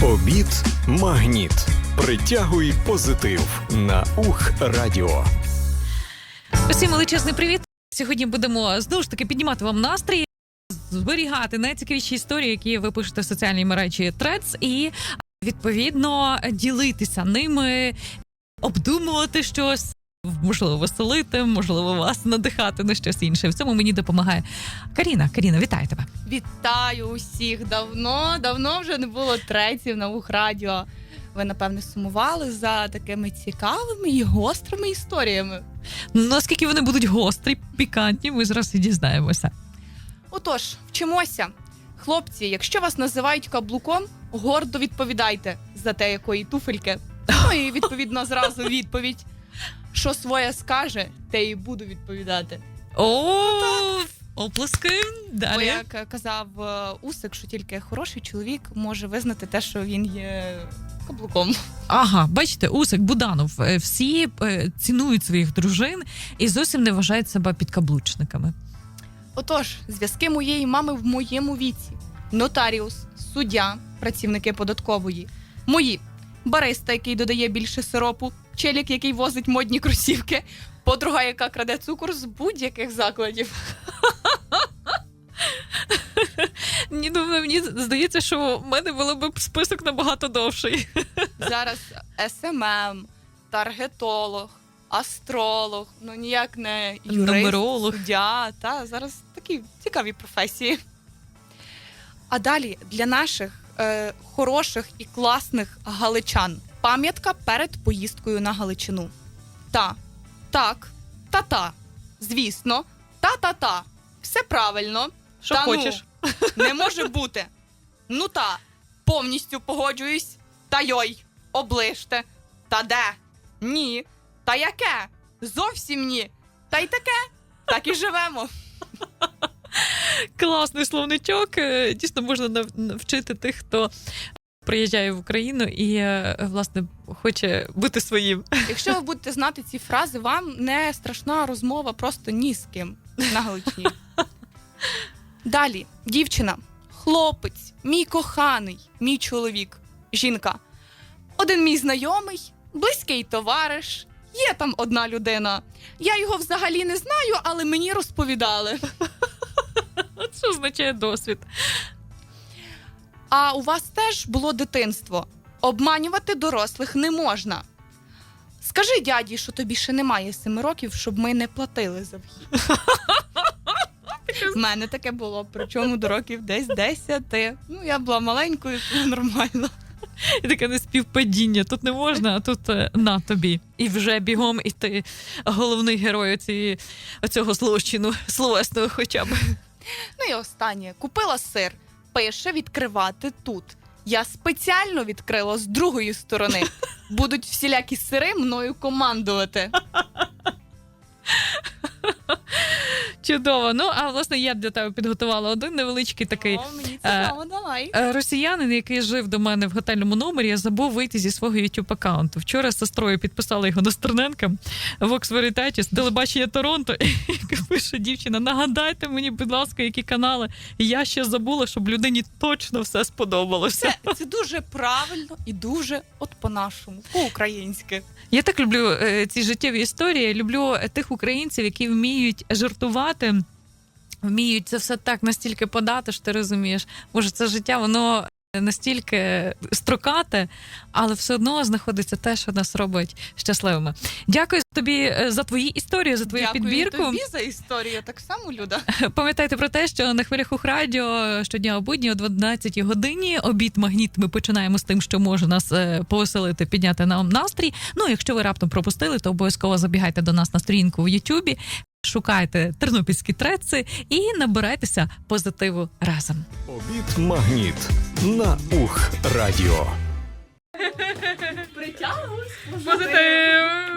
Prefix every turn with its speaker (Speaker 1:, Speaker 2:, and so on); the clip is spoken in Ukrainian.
Speaker 1: Обід «Магніт». Притягуй позитив на УХ-радіо.
Speaker 2: Усім величезний привіт. Сьогодні будемо, знову ж таки, піднімати вам настрій, зберігати найцікавіші історії, які ви пишете в соціальній мережі Threads, і, відповідно, ділитися ними, обдумувати щось, можливо, веселити, можливо, вас надихати на щось інше. В цьому мені допомагає Каріна. Каріна, вітаю тебе.
Speaker 3: Вітаю усіх! Давно вже не було треців на УХ-радіо. Ви, напевне, сумували за такими цікавими і гострими історіями.
Speaker 2: Наскільки вони будуть гострі, пікантні, ми зараз і дізнаємося.
Speaker 3: Отож, вчимося. Хлопці, якщо вас називають каблуком, гордо відповідайте за те, якої туфельки. Ну і, відповідно, зразу відповідь. Що своє скаже, те і буду відповідати.
Speaker 2: Оплески.
Speaker 3: Бо,
Speaker 2: Далі.
Speaker 3: як казав Усик, що тільки хороший чоловік може визнати те, що він є каблуком.
Speaker 2: Ага, бачите, Усик, Буданов, всі цінують своїх дружин і зовсім не вважають себе підкаблучниками.
Speaker 3: Отож, зв'язки моєї мами в моєму віці. Нотаріус, суддя, працівники податкової. Мої. Бариста, який додає більше сиропу. Челік, який возить модні кросівки. Подруга, яка краде цукор з будь-яких закладів.
Speaker 2: Мені здається, що в мене було б список набагато довший.
Speaker 3: Зараз СММ, таргетолог, астролог, ну ніяк не юрист,
Speaker 2: Нумеролог.
Speaker 3: суддя. Та, зараз такі цікаві професії. А далі для наших хороших і класних галичан. Пам'ятка перед поїздкою на Галичину. Та, так, та-та, звісно, та-та-та. Все правильно.
Speaker 2: Що
Speaker 3: та
Speaker 2: хочеш.
Speaker 3: Ну, не може бути. Ну та, повністю погоджуюсь. Та йой, оближте. Та де? Ні. Та яке? Зовсім ні. Та й таке. Так і живемо.
Speaker 2: Класний словничок. Дійсно, можна навчити тих, хто приїжджає в Україну і, власне, хоче бути своїм.
Speaker 3: Якщо ви будете знати ці фрази, вам не страшна розмова просто ні з ким на Галичині. Далі. Дівчина, хлопець, мій коханий, мій чоловік, жінка. Один мій знайомий, близький товариш, є там одна людина. Я його взагалі не знаю, але мені розповідали.
Speaker 2: Що означає досвід?
Speaker 3: А у вас теж було дитинство. Обманювати дорослих не можна. Скажи дяді, що тобі ще немає 7 років, щоб ми не платили за вхід. В мене таке було, причому до років десь 10. Ну, я була маленькою, тому нормально.
Speaker 2: І таке неспівпадіння. Тут не можна, а тут на тобі. І вже бігом, і ти головний герой оцього злочину, словесного хоча б.
Speaker 3: Ну і останнє. Купила сир. Пише відкривати тут. Я спеціально відкрила з другої сторони. Будуть всілякі сири мною командувати.
Speaker 2: Чудово. Ну, а власне я для тебе підготувала один невеличкий такий
Speaker 3: О, мені цікаво, давай.
Speaker 2: росіянин, який жив до мене в готельному номері, забув вийти зі свого YouTube-аккаунту. Вчора з сестрою підписала його на Стерненка, Vox Veritatis, телебачення Торонто, і пише дівчина: нагадайте мені, будь ласка, які канали. Я ще забула, щоб людині точно все сподобалося.
Speaker 3: Це дуже правильно і дуже от по-нашому, по-українськи.
Speaker 2: Я так люблю ці життєві історії, люблю тих українців, які вміють жартувати, вміють це все так настільки подати, що ти розумієш, може це життя, воно настільки строкате, але все одно знаходиться те, що нас робить щасливими. Дякую тобі за твої історії, за твою підбірку.
Speaker 3: Дякую тобі за історію, так само, Люда.
Speaker 2: Пам'ятайте про те, що на хвилях УХ-радіо щодня о будні о 12 годині обід «Магніт» ми починаємо з тим, що може нас повеселити, підняти нам настрій. Ну, якщо ви раптом пропустили, то обов'язково забігайте до нас на сторінку в Ютубі, шукайте тернопільські треци і набирайтеся позитиву разом.
Speaker 1: Обід «Магніт» на УХ-радіо.
Speaker 3: Притягуюсь.
Speaker 2: Позитив!